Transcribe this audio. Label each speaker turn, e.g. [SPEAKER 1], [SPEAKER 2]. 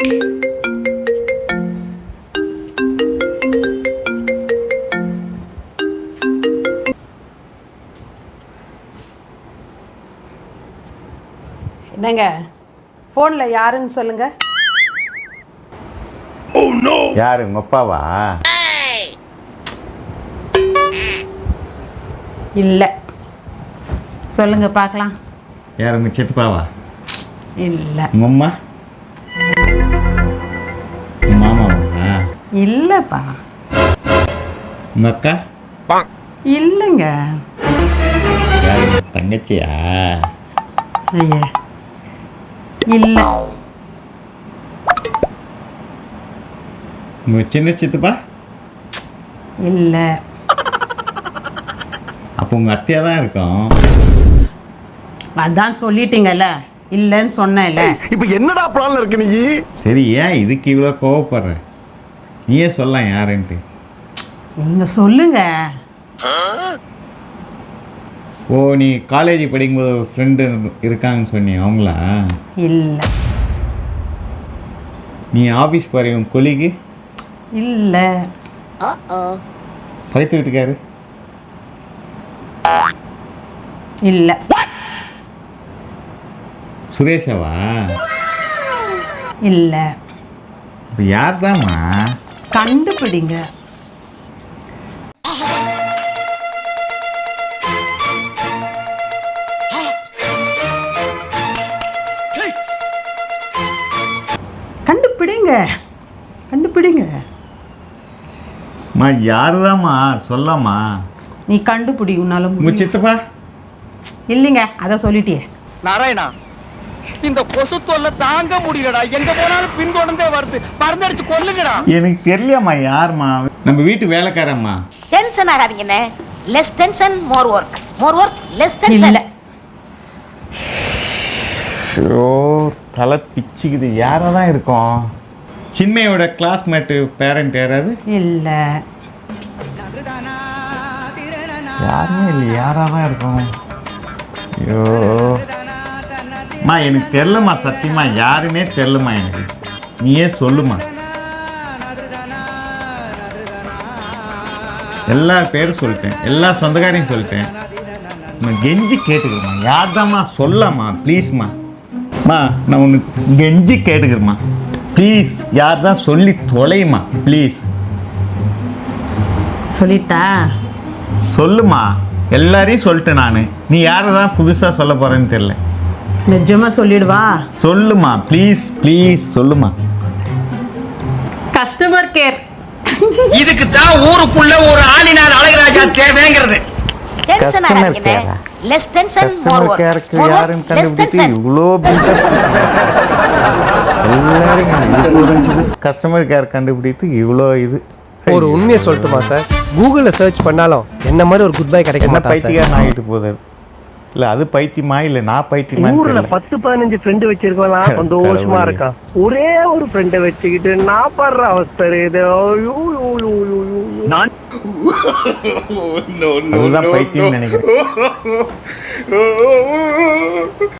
[SPEAKER 1] என்னங்க ஃபோனில் யாருன்னு சொல்லுங்க.
[SPEAKER 2] யாரு உங்க அப்பாவா?
[SPEAKER 1] இல்லை, சொல்லுங்க பார்க்கலாம்.
[SPEAKER 2] யார் உங்க சித்தப்பாவா?
[SPEAKER 1] இல்லை.
[SPEAKER 2] உங்க அம்மா? உங்க மாமாவா?
[SPEAKER 1] இல்லைப்பா.
[SPEAKER 2] உங்க அக்கா?
[SPEAKER 1] இல்லைங்க.
[SPEAKER 2] யாரு உங்க தங்கச்சியா?
[SPEAKER 1] ஐயா இல்லை.
[SPEAKER 2] உங்க சின்ன சித்தப்பா?
[SPEAKER 1] இல்லை.
[SPEAKER 2] அப்போ உங்க அத்தையா தான் இருக்கும்.
[SPEAKER 1] அதான் சொல்லிட்டீங்கல்ல, இல்லைன்னு சொன்னேன்ல.
[SPEAKER 3] இப்போ என்னடா பிளான்ல இருக்கு நீ?
[SPEAKER 2] சரி, ஏன் இதுக்கு இவ்வளோ கோவப்படுற? நீயே சொல்லலாம் யாருன்ட்டு.
[SPEAKER 1] நீங்க சொல்லுங்க.
[SPEAKER 2] ஓ, நீ காலேஜ் படிக்கும்போது ஒரு ஃப்ரெண்டு இருக்காங்கன்னு சொன்னி அவங்களா?
[SPEAKER 1] இல்லை.
[SPEAKER 2] நீ ஆஃபீஸ் போகிற உன் கொலிக்கு?
[SPEAKER 1] இல்லை.
[SPEAKER 2] பைத்து வீட்டுக்காரு?
[SPEAKER 1] இல்லை.
[SPEAKER 2] சுரேஷாவா?
[SPEAKER 1] இல்லை.
[SPEAKER 2] இப்போ யார் தான்மா?
[SPEAKER 1] கண்டுபிடிங்க. கண்டுபிடிங்க, கண்டுபிடிங்க.
[SPEAKER 2] மா யார் தான்மா? சொல்லாமா.
[SPEAKER 1] நீ கண்டுபிடி, உன்னால
[SPEAKER 2] உங்க
[SPEAKER 1] முடியும்.
[SPEAKER 2] சித்தப்பா?
[SPEAKER 1] இல்லைங்க, அத சொல்லிட்டியே.
[SPEAKER 3] நாராயணா, இந்த கொசு தொல்லை தாங்க முடியலடா. எங்க போனாலும் பின்தொடர்ந்தே வருது. பறந்தடிச்சு கொல்லுங்கடா.
[SPEAKER 2] எனக்கு தெரியலம்மா யாருமா. நம்ம வீட்டு வேலைக்காரம்மா.
[SPEAKER 4] டென்ஷன் ஆகாதீங்கண்ணே. Less tension more work, more work less tension.
[SPEAKER 1] இல்ல.
[SPEAKER 2] ஓ, தலை பிச்சுக்குது. யாரா தான் இருக்கும்? சின்மையோட கிளாஸ்மேட்டு பேரண்ட் யாராவது?
[SPEAKER 1] இல்ல.
[SPEAKER 2] யாருமே இல்லை. யாரா தான் இருக்கும்? ஐயோ மா, எனக்கு தெரிலம்மா. சத்தியமா யாருமே தெரிலம்மா எனக்கு. நீயே சொல்லுமா. எல்லா பேரும் சொல்லிட்டேன், எல்லா சொந்தக்காரையும் சொல்லிட்டேன். கெஞ்சி கேட்டுக்கிறேம்மா. யார் தான்மா? சொல்லம்மா ப்ளீஸ்மா. மா, நான் உனக்கு கெஞ்சி கேட்டுக்கிறேம்மா ப்ளீஸ். யார் தான் சொல்லி தொலையுமா ப்ளீஸ்.
[SPEAKER 1] சொல்லிட்டா?
[SPEAKER 2] சொல்லுமா. எல்லாரையும் சொல்லிட்டேன் நான். நீ யாரை தான் புதுசாக சொல்ல போகிறேன்னு தெரில.
[SPEAKER 1] நிஜமா சொல்லிடுவா?
[SPEAKER 2] சொல்லுமா ப்ளீஸ், ப்ளீஸ் சொல்லுமா.
[SPEAKER 1] Customer care.
[SPEAKER 3] இதுக்கு தான் ஊருக்குள்ள ஒரு ஆளினார் அழகராஜா தேவைங்கிறது.
[SPEAKER 2] கஸ்டமர் கேரா?
[SPEAKER 4] Less tension more
[SPEAKER 2] customer
[SPEAKER 4] work.
[SPEAKER 2] கேருக்கு யாருன்னு கண்டுபிடித்து இவ்வளோ கஸ்டமர் கேர் கண்டுபிடித்து இவ்வளோ இது.
[SPEAKER 5] ஒரு உண்மையை சொல்லட்டுமா சார்? கூகுளில் சர்ச் பண்ணாலும் என்ன மாதிரி ஒரு குட் பை கிடைக்க
[SPEAKER 2] என்ன
[SPEAKER 5] மாட்டா சார்.
[SPEAKER 2] பைத்தியக்காரன் ஆகிட்டு போகுது. இல்லை அது பைத்தியமா இல்லை நான் பைத்தியமா?
[SPEAKER 6] ஊர்ல 10-15 ஃப்ரெண்டு வச்சிருக்கலாம், சந்தோஷமா இருக்கான். ஒரே ஒரு ஃப்ரெண்டை வச்சுக்கிட்டு நான் படுற அவஸ்தை இது.
[SPEAKER 2] அதுதான் பைத்தியம் நினைக்கிறேன்.